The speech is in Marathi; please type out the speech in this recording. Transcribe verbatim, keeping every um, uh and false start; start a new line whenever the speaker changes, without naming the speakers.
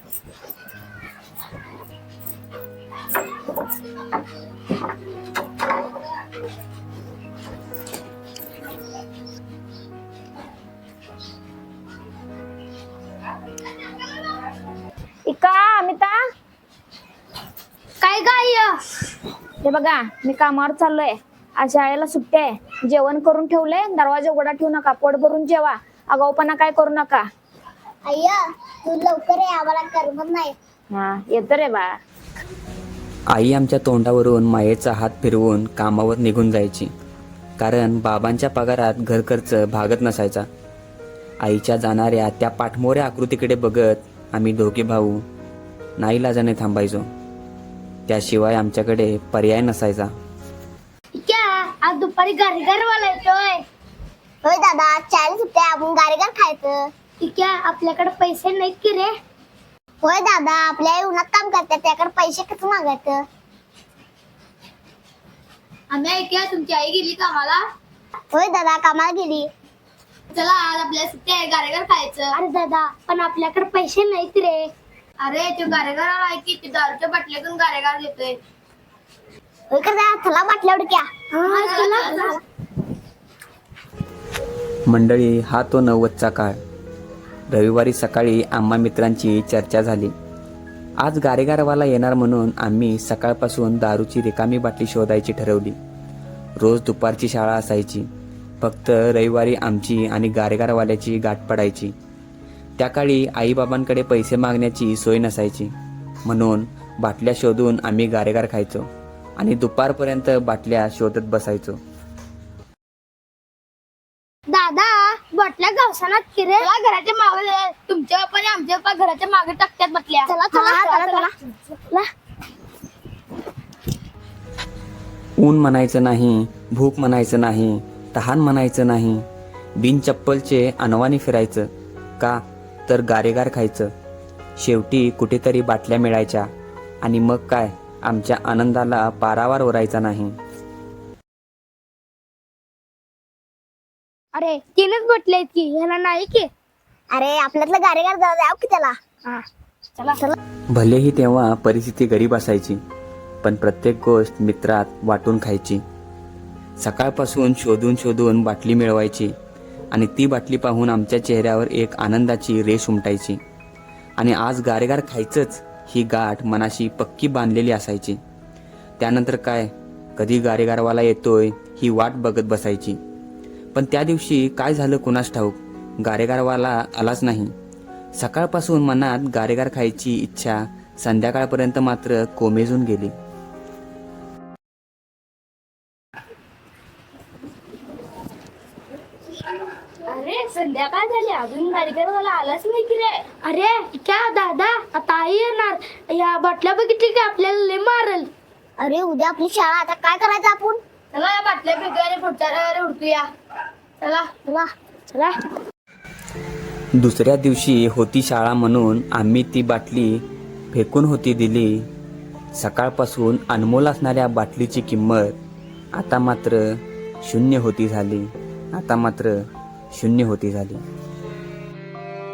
इका अमिता
काय गाय
हे बघा मी कामावर चाललोय. आज शाळेला सुट्टी आहे. जेवण करून ठेवलंय. दरवाजा उघडा ठेवू नका. पोट भरून जेवा. आगाऊपणा काय करू नका.
अय्या तू लवकर ये, आम्हाला करमत नाही.
हा येतो रे बा.
आई आमच्या तोंडावरून मायेचा हात फिरवून कामावर निघून जायची, कारण बाबांच्या पगारात घर खर्च भागत नसायचा. आईच्या जाणाऱ्या त्या पाठमोऱ्या आकृतीकडे बघत आम्ही दोघे भाऊ नाईलाजाने थांबायचो. त्याशिवाय आमच्याकडे पर्याय नसायचा.
क्या आज दुपारी गारीगारवाला येतोय. होय दादा, चाळीस सुट्ट्या आपण गारीगार खायचं. क्या आपल्याकडे पैसे नाहीत की रे. होय दादा, आपल्या आई उन्हात काम करतात, त्याकडे पैसे कसं मागायचं. आम्ही ऐकूया तुमची आई गेली कामाला. होय दादा, कामाला गेली. चला आज आपल्या सुट्ट्या आहे, गारेगार खायचं. अरे दादा, पण आपल्याकडे पैसे नाहीत रे. अरे तो गारेगार आहे की ते दारूच्या बाटल्यातून गारेगार देतोय. होय का दादा, चला बाटल्या उडक्या.
मंडळी, हा तो नव्वदचा काळ. रविवारी सकाळी आम्हा मित्रांची चर्चा झाली. आज गारेगारवाला येणार म्हणून आम्ही सकाळपासून दारूची रिकामी बाटली शोधायची ठरवली. रोज दुपारची शाळा असायची. फक्त रविवारी आमची आणि गारेगारवाल्याची गाठ पडायची. त्या काळी आईबाबांकडे पैसे मागण्याची सोय नसायची, म्हणून बाटल्या शोधून आम्ही गारेगार खायचो आणि दुपारपर्यंत बाटल्या शोधत बसायचो.
दादा, बाटल्या गावसानात किरे. घराच्या मागे तुमच्या बाप्पा आणि आमच्या बाप्पा घराच्या मागे टाकतात बाटल्या. चला चला चला चला.
ऊन म्हणायचं नाही, भूक म्हणायचं नाही, तहान म्हणायचं नाही. बिन चप्पलचे अनवाणी फिरायचं. का तर गारेगार खायचं. शेवटी कुठेतरी बाटल्या मिळायच्या आणि मग काय, आमच्या आनंदाला पारावार ओरायचा नाही.
अरे तीनच बाटल्या आहेत की, ह्याला नाही की. अरे आपल्यातलं गारेगार जाऊ की त्याला. चला चला.
भलेही तेव्हा परिस्थिती गरीब असायची, पण प्रत्येक गोष्ट मित्रात वाटून खायची. सकाळपासून शोधून शोधून बाटली मिळवायची आणि ती बाटली पाहून आमच्या चेहऱ्यावर एक आनंदाची रेष उमटायची. आणि आज गारेगार खायचंच ही गाठ मनाशी पक्की बांधलेली असायची. त्यानंतर काय, कधी गारेगारवाला येतोय ही वाट बघत बसायची. पण त्या दिवशी काय झालं कुणास ठाऊक, गारेगारवाला आलाच नाही. सकाळपासून मनात गारेगार खायची इच्छा संध्याकाळपर्यंत मात्र कोमेजून गेली.
अरे संध्याकाळ झाली, अजून गाडीगारवाला आलाच नाही की रे. अरे क्या दादा, आता आई येणार. या बाटल्या बघितली की आपल्याला लय मारल. अरे उद्या आपली शाळा, आता काय करायचं आपण. चला या बाटल्या फेकूया आणि पुढच्या रविवारी उडकूया. चला चला चला.
दुसऱ्या दिवशी होती शाळा म्हणून आम्ही ती बाटली फेकून होती दिली. सकाळपासून अनमोल असणाऱ्या बाटलीची किंमत आता मात्र शून्य होती झाली. आता मात्र शून्य होती झाली.